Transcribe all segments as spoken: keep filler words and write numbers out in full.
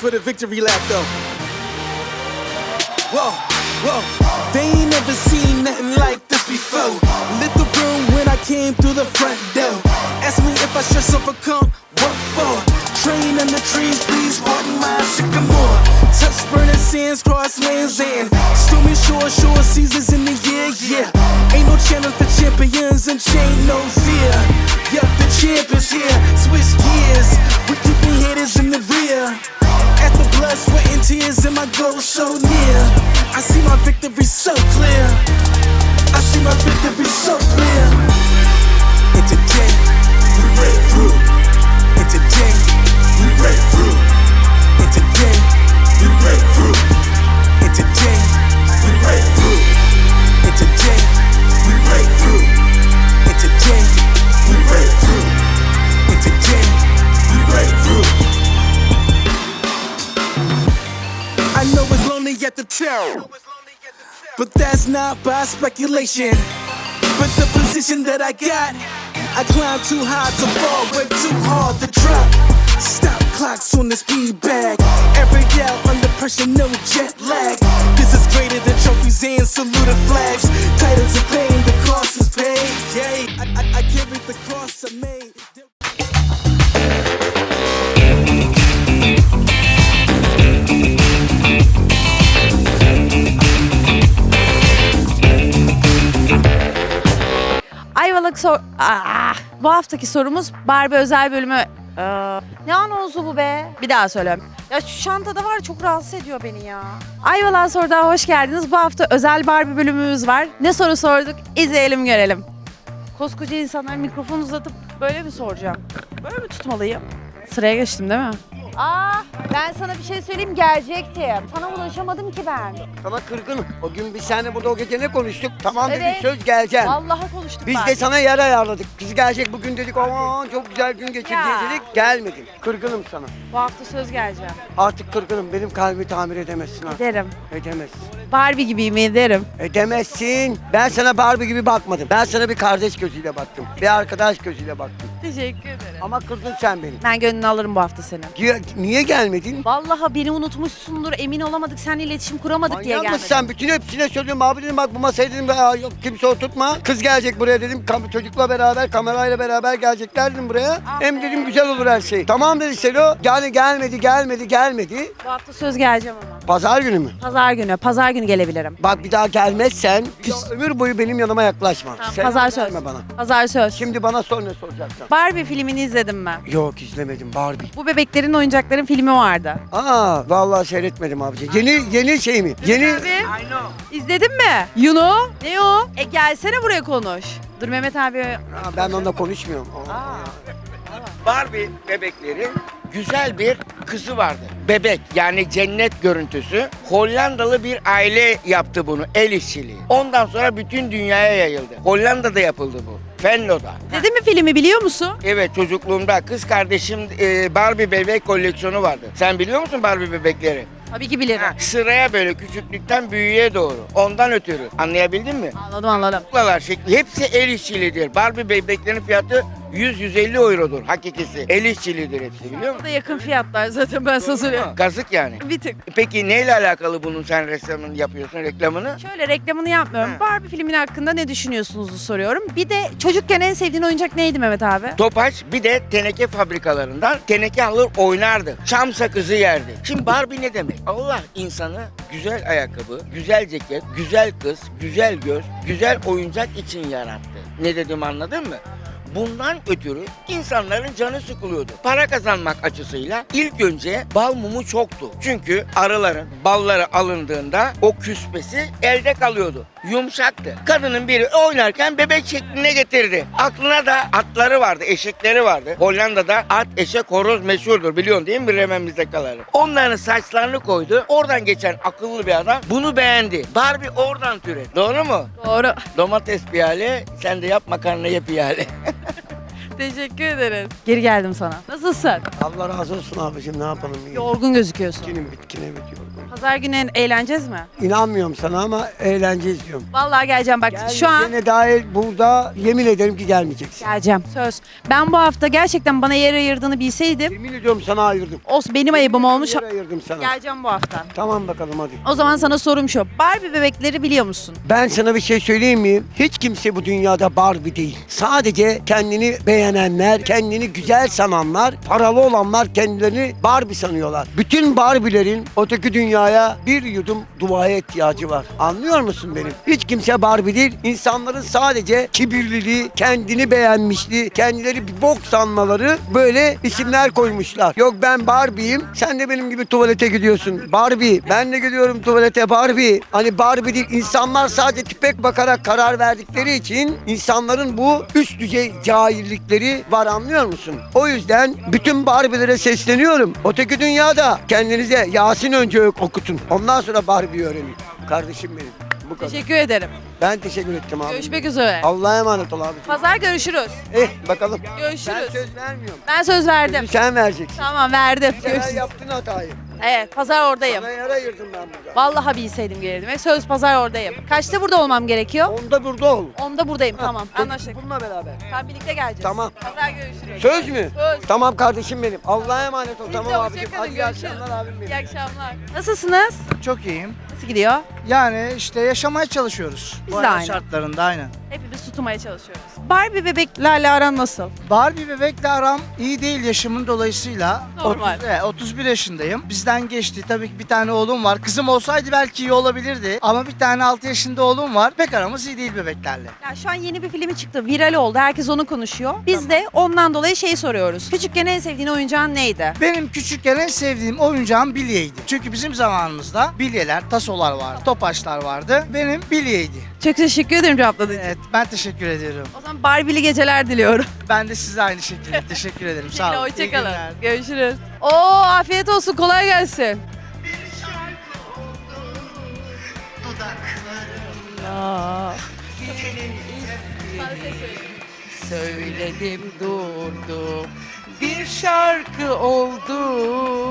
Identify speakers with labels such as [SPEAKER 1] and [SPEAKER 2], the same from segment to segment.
[SPEAKER 1] for the victory lap though. Whoa, whoa. They ain't never seen nothing like this before. Lit the room when I came through the front door. Ask me if I stress overcome, what for? Train in the trees, please pardon my sycamore. Touch burning sands, cross lands and stormy shore, shore seasons in the year, yeah. Ain't no challenge for champions and chain no fear. Yup, the champ is here, switch gears. We keeping haters in the rear. At the blood, sweat and tears and my goal so near. I see my victory so clear. I see my victory so clear. And today, we break through. And today, we break through. And today, we break through. And today, we break through. And today, we break through. And today, we break through. And today, we break through. I know it's lonely at the top, but that's not by speculation. But the position that I got, I climb too high to fall, work too hard to drop. Stop clocks on the speed bag. Every out under pressure, no jet lag. This is greater than trophies and saluted flags. Titles of fame, the cost is paid. Yeah, I, I, I carried the cross I made.
[SPEAKER 2] Ayvalık sor... Aa, bu haftaki sorumuz Barbie özel bölümü... Aa, ne anonsu bu be? Bir daha söyleyeyim. Ya şu çantada var, çok rahatsız ediyor beni ya. Ayvalık sorudan hoş geldiniz. Bu hafta özel Barbie bölümümüz var. Ne soru sorduk? İzleyelim görelim. Koskoca insanlar mikrofon uzatıp böyle mi soracağım? Böyle mi tutmalıyım? Sıraya geçtim değil mi? Aa, ben sana bir şey söyleyeyim, gelecektim. Sana ulaşamadım ki ben.
[SPEAKER 3] Sana kırgınım. O gün biz seninle burada o gece ne konuştuk? Tamam
[SPEAKER 2] Evet.
[SPEAKER 3] dedik, söz geleceğim.
[SPEAKER 2] Vallahi konuştuk
[SPEAKER 3] Biz
[SPEAKER 2] ben.
[SPEAKER 3] de sana yer ayarladık. Kız gelecek bugün dedik. Aman çok güzel gün geçireceğiz
[SPEAKER 2] Ya.
[SPEAKER 3] dedik. Gelmedin. Kırgınım sana.
[SPEAKER 2] Bu hafta söz geleceğim.
[SPEAKER 3] Artık kırgınım. Benim kalbimi tamir edemezsin artık.
[SPEAKER 2] Ederim.
[SPEAKER 3] Edemezsin.
[SPEAKER 2] Barbie gibiyim, ederim.
[SPEAKER 3] Edemezsin. Ben sana Barbie gibi bakmadım. Ben sana bir kardeş gözüyle baktım. Bir arkadaş gözüyle baktım.
[SPEAKER 2] Teşekkür ederim.
[SPEAKER 3] Ama kırdın sen beni.
[SPEAKER 2] Ben gönlünü alırım bu hafta senin.
[SPEAKER 3] Niye, niye gelmedin?
[SPEAKER 2] Vallahi beni unutmuşsundur, emin olamadık, seninle iletişim kuramadık diye
[SPEAKER 3] Manyak
[SPEAKER 2] gelmedim.
[SPEAKER 3] mısın sen? Bütün hepsine söylüyorum. Abi dedim bak bu masaya dedim. Aa, yok, kimse oturtma. Kız gelecek buraya dedim. Kam çocukla beraber, kamerayla beraber gelecekler dedim buraya.
[SPEAKER 2] Ah
[SPEAKER 3] Hem
[SPEAKER 2] be.
[SPEAKER 3] dedim güzel olur her şey. Tamam dedi Selo. Yani gelmedi, gelmedi, gelmedi.
[SPEAKER 2] Bu hafta söz geleceğim ama.
[SPEAKER 3] Pazar günü mü?
[SPEAKER 2] Pazar günü, pazar günü gelebilirim.
[SPEAKER 3] Bak bir daha gelmezsen bir daha ömür boyu benim yanıma yaklaşma.
[SPEAKER 2] Tamam,
[SPEAKER 3] Selam
[SPEAKER 2] pazar söz.
[SPEAKER 3] verme bana.
[SPEAKER 2] Pazar söz.
[SPEAKER 3] Şimdi bana sor ne soracaksın.
[SPEAKER 2] Barbie filmini izledim ben.
[SPEAKER 3] Yok izlemedim Barbie.
[SPEAKER 2] Bu bebeklerin oyuncakların filmi vardı.
[SPEAKER 3] Aa vallahi seyretmedim abici. Yeni yeni şey mi? Yeni
[SPEAKER 2] Abi, İzledin mi? Yuno. Ne o? E gelsene buraya konuş. Dur Mehmet abi.
[SPEAKER 3] Aa, ben onunla konuşmuyorum.
[SPEAKER 2] Aa.
[SPEAKER 4] Barbie bebeklerin güzel bir kızı vardı. Bebek yani cennet görüntüsü. Hollandalı bir aile yaptı bunu, el işçiliği. Ondan sonra bütün dünyaya yayıldı. Hollanda'da yapıldı bu. Venlo'da.
[SPEAKER 2] İzledin mi filmi, biliyor musun?
[SPEAKER 4] Evet, çocukluğumda kız kardeşim e, Barbie bebek koleksiyonu vardı. Sen biliyor musun Barbie bebekleri?
[SPEAKER 2] Tabii ki bilirim.
[SPEAKER 4] Ha, sıraya böyle küçüklükten büyüğe doğru. Ondan ötürü. Anlayabildin mi?
[SPEAKER 2] Anladım anladım.
[SPEAKER 4] Kuklalar şekli hepsi el işçiliğidir. Barbie bebeklerin fiyatı yüz yüz elli eurodur hakikisi. El işçiliğidir hepsi biliyor
[SPEAKER 2] Bu
[SPEAKER 4] musun?
[SPEAKER 2] da yakın fiyatlar zaten, ben sana söyleyeyim.
[SPEAKER 4] Kazık yani.
[SPEAKER 2] Bir tık.
[SPEAKER 4] Peki neyle alakalı bunun sen reklamını yapıyorsun, reklamını?
[SPEAKER 2] Şöyle reklamını yapmıyorum.
[SPEAKER 4] Ha.
[SPEAKER 2] Barbie filmin hakkında ne düşünüyorsunuzu soruyorum. Bir de çocukken en sevdiğin oyuncak neydi Mehmet abi?
[SPEAKER 4] Topaç bir de teneke fabrikalarından teneke alır oynardı. Çam sakızı yerdi. Şimdi Barbie ne demek? Allah insanı güzel ayakkabı, güzel ceket, güzel kız, güzel göz, güzel oyuncak için yarattı. Ne dedim anladın mı? Bundan ötürü insanların canı sıkılıyordu. Para kazanmak açısıyla ilk önce bal mumu çoktu. Çünkü arıların balları alındığında o küspesi elde kalıyordu. Yumuşaktı. Kadının biri oynarken bebek şekline getirdi. Aklına da atları vardı, eşekleri vardı. Hollanda'da at, eşek, horoz meşhurdur biliyorsun değil mi Bremen'imizde kalır. Onların saçlarını koydu. Oradan geçen akıllı bir adam bunu beğendi. Barbie oradan türedi. Doğru mu?
[SPEAKER 2] Doğru.
[SPEAKER 4] Domates piyale, sen de yap makarna ye piyale.
[SPEAKER 2] Teşekkür ederiz. Geri geldim sana. Nasılsın?
[SPEAKER 3] Allah razı olsun abicim, ne yapalım?
[SPEAKER 2] Yorgun gözüküyorsun.
[SPEAKER 3] Bitkinim bitkine bitiyor.
[SPEAKER 2] Pazar günü eğleneceğiz mi?
[SPEAKER 3] İnanmıyorum sana ama eğleneceğiz diyorum.
[SPEAKER 2] Vallahi geleceğim bak şu an.
[SPEAKER 3] Gelmeyeceğine dair burada yemin ederim ki gelmeyeceksin.
[SPEAKER 2] Geleceğim. Söz. Ben bu hafta gerçekten bana yer ayırdığını bilseydim.
[SPEAKER 3] Yemin ediyorum sana ayırdım.
[SPEAKER 2] Olsun benim ayıbım olmuş.
[SPEAKER 3] Yer ayırdım sana.
[SPEAKER 2] Geleceğim bu hafta.
[SPEAKER 3] Tamam bakalım hadi.
[SPEAKER 2] O zaman sana sorum şu. Barbie bebekleri biliyor musun?
[SPEAKER 3] Ben sana bir şey söyleyeyim mi? Hiç kimse bu dünyada Barbie değil. Sadece kendini beğenenler, kendini güzel sananlar, paralı olanlar kendilerini Barbie sanıyorlar. Bütün Barbie'lerin öteki dünyaya bir yudum duaya ihtiyacı var. Anlıyor musun benim? Hiç kimse Barbie değil. İnsanların sadece kibirliliği, kendini beğenmişliği, kendileri bir bok sanmaları böyle isimler koymuşlar. Yok ben Barbie'yim, sen de benim gibi tuvalete gidiyorsun. Barbie, ben de gidiyorum tuvalete Barbie. Hani Barbie değil, insanlar sadece tipek bakarak karar verdikleri için insanların bu üst düzey cahillikleri var, anlıyor musun? O yüzden bütün Barbie'lere sesleniyorum. Öteki dünyada kendinize Yasin önce okutun. Ondan sonra Barbie öğrenin. Kardeşim benim. Bu kadar.
[SPEAKER 2] Teşekkür ederim.
[SPEAKER 3] Ben teşekkür ettim abi.
[SPEAKER 2] Görüşmek üzere.
[SPEAKER 3] Allah'a emanet ol abi.
[SPEAKER 2] Pazar görüşürüz.
[SPEAKER 3] Eh bakalım.
[SPEAKER 2] Görüşürüz.
[SPEAKER 3] Ben söz vermiyorum.
[SPEAKER 2] Ben söz verdim.
[SPEAKER 3] Sözü sen vereceksin.
[SPEAKER 2] Tamam verdim.
[SPEAKER 3] Bu sefer
[SPEAKER 2] Görüşürüz.
[SPEAKER 3] yaptın hatayı.
[SPEAKER 2] Evet pazar oradayım.
[SPEAKER 3] Bana yer ayırdın ben burada.
[SPEAKER 2] Vallahi bilseydim gelirdim. E, Söz pazar oradayım. Kaçta burada olmam gerekiyor?
[SPEAKER 3] Onda burada ol.
[SPEAKER 2] Onda buradayım tamam
[SPEAKER 3] Ha,
[SPEAKER 2] anlaştık.
[SPEAKER 3] Bununla beraber.
[SPEAKER 2] Tamam birlikte geleceğiz.
[SPEAKER 3] Tamam.
[SPEAKER 2] Pazar görüşürüz.
[SPEAKER 3] Söz mü?
[SPEAKER 2] Söz.
[SPEAKER 3] Tamam kardeşim benim. Allah'a emanet ol.
[SPEAKER 2] Siz
[SPEAKER 3] Tamam
[SPEAKER 2] de
[SPEAKER 3] abicim.
[SPEAKER 2] hoşça kalın,
[SPEAKER 3] Hadi iyi
[SPEAKER 2] görüşürüz.
[SPEAKER 3] akşamlar abim benim.
[SPEAKER 2] İyi akşamlar. Nasılsınız?
[SPEAKER 5] Çok iyiyim.
[SPEAKER 2] Nasıl gidiyor?
[SPEAKER 5] Yani işte yaşamaya çalışıyoruz.
[SPEAKER 2] Biz
[SPEAKER 5] Bu
[SPEAKER 2] de
[SPEAKER 5] hayat
[SPEAKER 2] aynı.
[SPEAKER 5] şartlarında aynen.
[SPEAKER 2] Hepimiz tutmaya çalışıyoruz. Barbie bebeklerle aran nasıl?
[SPEAKER 5] Barbie bebekle aram iyi değil yaşımın dolayısıyla.
[SPEAKER 2] Normal.
[SPEAKER 5] otuz, evet, otuz bir yaşındayım. Bizden geçti. Tabii ki bir tane oğlum var. Kızım olsaydı belki iyi olabilirdi. Ama bir tane altı yaşında oğlum var. Pek aramız iyi değil bebeklerle.
[SPEAKER 2] Ya şu an yeni bir filmi çıktı. Viral oldu. Herkes onu konuşuyor. Biz de ondan dolayı şeyi soruyoruz. Küçükken en sevdiğin oyuncağın neydi?
[SPEAKER 5] Benim küçükken en sevdiğim oyuncağım bilyeydi. Çünkü bizim zamanımızda bilyeler, tasolar vardı, topaçlar vardı. Benim bilyeydi.
[SPEAKER 2] Çok teşekkür ederim cevapladığın için.
[SPEAKER 5] Evet, ben teşekkür ediyorum.
[SPEAKER 2] O zaman Barbie'li geceler diliyorum.
[SPEAKER 5] Ben de size aynı şekilde teşekkür ederim. Sağ olun. İyi
[SPEAKER 2] Hoşçakalın.
[SPEAKER 5] günler.
[SPEAKER 2] Görüşürüz. Oo afiyet olsun. Kolay gelsin. Aa.
[SPEAKER 6] Söyledim durdum, bir şarkı oldum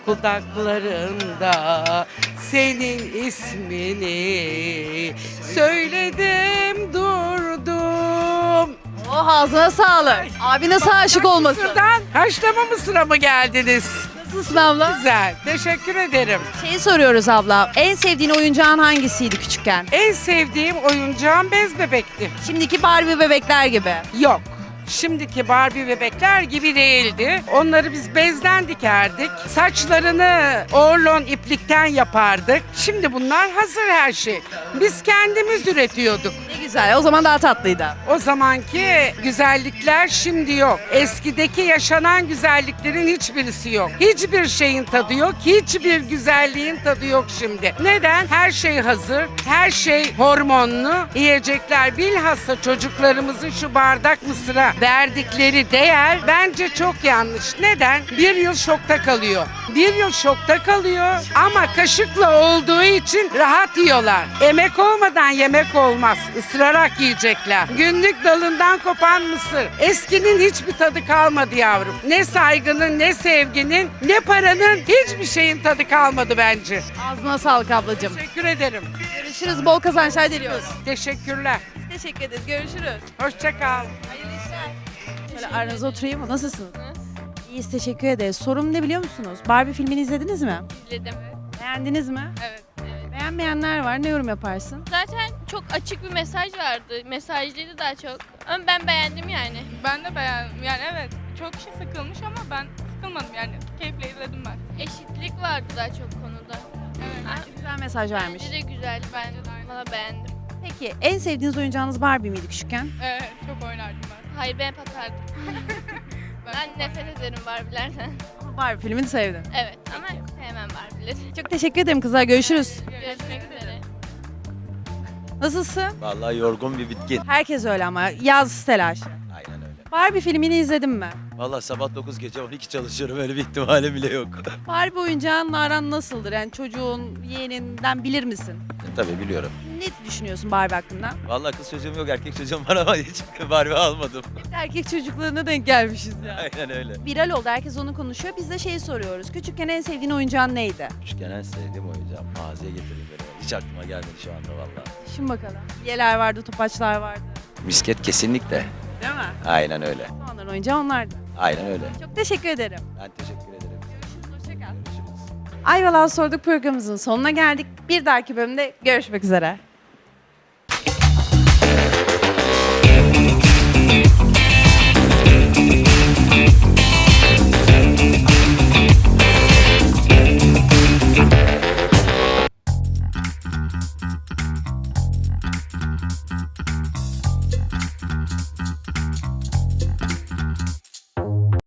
[SPEAKER 6] kulaklarında, senin ismini söyledim durdum.
[SPEAKER 2] Oh ağzına sağlık. Abi nasıl aşık olmasın?
[SPEAKER 6] Mısır'dan haşlama mısıra mı geldiniz?
[SPEAKER 2] Nasılsın abla?
[SPEAKER 6] Güzel, teşekkür ederim.
[SPEAKER 2] Şeyi soruyoruz abla. En sevdiğin oyuncağın hangisiydi küçükken?
[SPEAKER 6] En sevdiğim oyuncağım bez bebekti.
[SPEAKER 2] Şimdiki Barbie bebekler gibi.
[SPEAKER 6] Yok. Şimdiki Barbie bebekler gibi değildi. Onları biz bezden dikerdik. Saçlarını orlon iplikten yapardık. Şimdi bunlar hazır her şey. Biz kendimiz üretiyorduk.
[SPEAKER 2] Ne güzel. O zaman daha tatlıydı.
[SPEAKER 6] O zamanki güzellikler şimdi yok. Eskideki yaşanan güzelliklerin hiçbirisi yok. Hiçbir şeyin tadı yok. Hiçbir güzelliğin tadı yok şimdi. Neden? Her şey hazır. Her şey hormonlu. Yiyecekler bilhassa çocuklarımızın şu bardak mısıra verdikleri değer bence çok yanlış. Neden? Bir yıl şokta kalıyor. Bir yıl şokta kalıyor ama kaşıkla olduğu için rahat yiyorlar. Emek olmadan yemek olmaz. Isırarak yiyecekler. Günlük dalından kopan mısır. Eskinin hiçbir tadı kalmadı yavrum. Ne saygının, ne sevginin, ne paranın, hiçbir şeyin tadı kalmadı bence.
[SPEAKER 2] Ağzına sağlık ablacığım.
[SPEAKER 6] Teşekkür ederim.
[SPEAKER 2] Görüşürüz. Bol kazançlar diliyoruz.
[SPEAKER 6] Teşekkürler.
[SPEAKER 2] Teşekkür ederiz. Görüşürüz.
[SPEAKER 6] Hoşça kal.
[SPEAKER 2] Hayırlı işler. Şöyle aranıza oturayım mı? Nasılsınız? İyiyiz. Teşekkür ederiz. Sorum ne biliyor musunuz? Barbie filmini izlediniz mi?
[SPEAKER 7] İzledim.
[SPEAKER 2] Beğendiniz mi?
[SPEAKER 7] Evet. evet.
[SPEAKER 2] Beğenmeyenler var. Ne yorum yaparsın?
[SPEAKER 7] Zaten çok açık bir mesaj vardı. Mesajlıydı daha çok. Ama ben beğendim yani.
[SPEAKER 8] Ben de beğendim. Yani evet çok kişi sıkılmış ama ben sıkılmadım yani. Keyifle izledim ben.
[SPEAKER 7] Eşitlik vardı daha çok konuda.
[SPEAKER 8] Evet.
[SPEAKER 2] Bence güzel mesaj vermiş.
[SPEAKER 7] Bence de güzel. Ben valla beğendim.
[SPEAKER 2] Peki en sevdiğiniz oyuncağınız Barbie miydi küçükken?
[SPEAKER 8] Evet çok oynardım ben.
[SPEAKER 7] Hayır ben patardım. ben nefret ederim Barbie'lerden.
[SPEAKER 2] Ama Barbie filmini sevdim.
[SPEAKER 7] Evet ama sevmem Barbie'leri.
[SPEAKER 2] Çok teşekkür ederim kızlar. Görüşürüz.
[SPEAKER 7] Görüşmek üzere.
[SPEAKER 2] Nasılsın?
[SPEAKER 9] Vallahi yorgun bir bitkin.
[SPEAKER 2] Herkes öyle ama yaz telaşı.
[SPEAKER 9] Aynen öyle.
[SPEAKER 2] Barbie filmini izledin mi?
[SPEAKER 9] Valla sabah dokuz gece on iki çalışıyorum, öyle bir ihtimalim bile yok.
[SPEAKER 2] Barbie oyuncağınla aran nasıldır? Yani çocuğun, yeğeninden bilir misin?
[SPEAKER 9] Tabii biliyorum.
[SPEAKER 2] Ne düşünüyorsun Barbie hakkında?
[SPEAKER 9] Valla kız çocuğum yok, erkek çocuğum var ama hiç Barbie almadım.
[SPEAKER 2] Erkek çocuklarına denk gelmişiz ya.
[SPEAKER 9] Aynen öyle.
[SPEAKER 2] Viral oldu, herkes onu konuşuyor. Biz de şeyi soruyoruz. Küçükken en sevdiğin oyuncağın neydi?
[SPEAKER 9] Küçükken en sevdiğim oyuncağım. Mağazaya getireyim beni. Hiç aklıma gelmedi şu anda valla.
[SPEAKER 2] Şimdi bakalım. Yeler vardı, topaçlar vardı.
[SPEAKER 9] Misket kesinlikle.
[SPEAKER 2] Değil mi?
[SPEAKER 9] Aynen öyle.
[SPEAKER 2] O anların oyuncağı onlardı.
[SPEAKER 9] Aynen öyle.
[SPEAKER 2] Çok teşekkür ederim.
[SPEAKER 9] Ben teşekkür ederim.
[SPEAKER 2] Görüşürüz, hoşça kal.
[SPEAKER 9] Görüşürüz.
[SPEAKER 2] Ayvalık'a sorduk programımızın sonuna geldik. Bir dahaki bölümde görüşmek üzere.